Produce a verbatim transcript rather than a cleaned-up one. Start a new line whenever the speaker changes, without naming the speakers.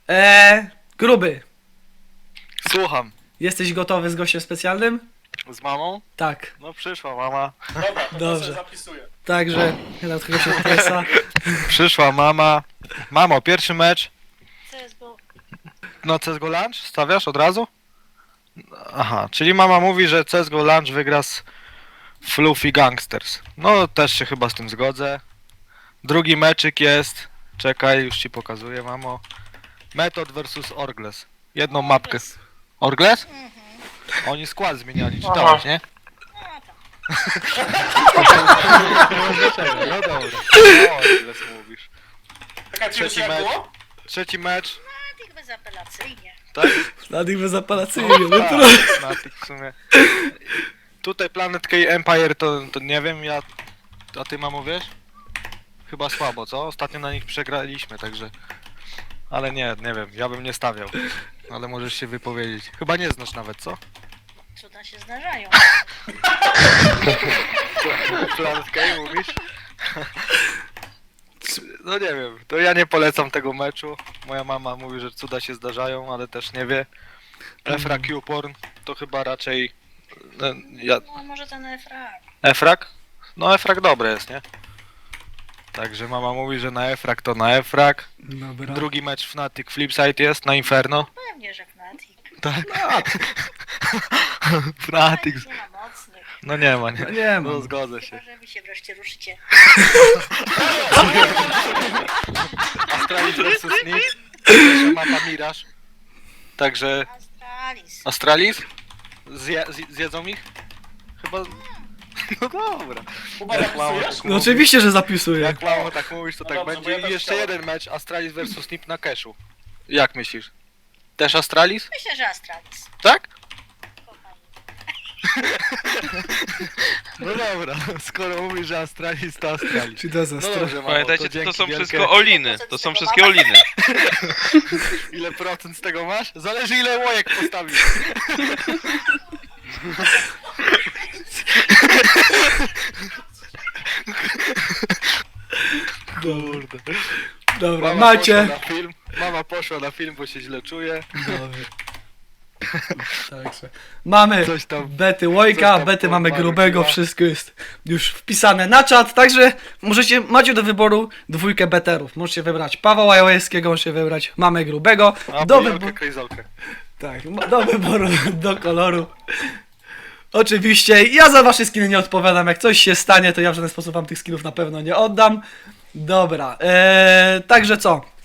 Eee, gruby,
Słucham.
jesteś gotowy z gościem specjalnym?
Z mamą?
Tak,
No przyszła mama.
Dobra, to
Dobrze.
sobie zapisuję.
także nie dam tego się presa.
Przyszła mama. Mamo, pierwszy mecz.
C S G O.
No C S G O Lunch? Stawiasz od razu? Aha, czyli mama mówi, że C S G O Lunch wygra z Fluffy Gangsters. No też się chyba z tym zgodzę. Drugi meczyk jest. Czekaj, już ci pokazuję, mamo. Method versus Orgles. Jedną mapkę. Orgles? Oni skład zmieniali, czytałeś, nie? No dobra. O, Orgles mówisz.
Czekaj,
Trzeci
Trzeci jak
mecz.
było?
Trzeci mecz.
Natyk bezapelacyjnie.
Tak?
Na nich bezapelacyjnie, no
Tak,
trudno.
na tych w sumie. Tutaj Planet K Empire to, to nie wiem, ja... A ty mamo wiesz? Chyba słabo, co? Ostatnio na nich przegraliśmy, także... Ale nie, nie wiem, ja bym nie stawiał. Ale możesz się wypowiedzieć. Chyba nie znasz nawet, co?
Cuda się zdarzają.
Planet K mówisz? No nie wiem, to ja nie polecam tego meczu. Moja mama mówi, że cuda się zdarzają, ale też nie wie. Efra Q-Porn to chyba raczej... No, ja...
No może ten Efrak.
Efrak? No Efrak dobre jest, nie? Także mama mówi, że na Efrak to na Efrak.
Dobra.
Drugi mecz Fnatic Flipside jest na Inferno.
Pewnie, że Fnatic.
Tak? Fnatic.
Nie ma mocnych.
No nie ma, nie.
No nie ma.
No zgodzę się.
Chyba, że wy się wreszcie ruszycie.
Astralis versus Nip. Pierwsza mapa Miraż. Także
Astralis.
Astralis? Zje, zj- zjedzą ich? Chyba... No dobra.
Kuba,
Jak mamo
zapisujesz?
tak
No
mówi-
oczywiście, że zapisuję.
Jak mamo tak mówisz, to
No
tak
dobrze,
będzie.
bo ja
I
też
jeszcze
chciałem.
jeden mecz Astralis versus Nip na cashu. Jak myślisz? Też Astralis?
Myślę, że Astralis.
Tak?
Kochani.
No dobra, skoro mówisz, że Astralis to Astralis.
Czy to za
No
stronę?
dobrze, mamo,
Pamiętajcie, to,
dzięki
to są
wielkie.
wszystko oliny. To są wszystkie oliny.
Ile procent z tego masz? Zależy ile łojek postawisz. Kurde.
Dobra,
Mama
macie.
poszła na film, mama poszła na film, bo się źle czuje.
Dobrze. Także mamy
Coś tam-
bety
coś
Łojka,
tam
bety mamy
porwały
grubego,
chyba.
wszystko jest już wpisane na czat, także możecie, macie do wyboru dwójkę beterów. Możecie wybrać Pawła Jałajewskiego, możecie wybrać mamę grubego.
A
Do,
bojolkę,
wybo-
krejzolkę.
tak, ma- do wyboru, do koloru. Oczywiście, ja za wasze skiny nie odpowiadam, jak coś się stanie, to ja w żaden sposób wam tych skinów na pewno nie oddam. Dobra, eee, także co?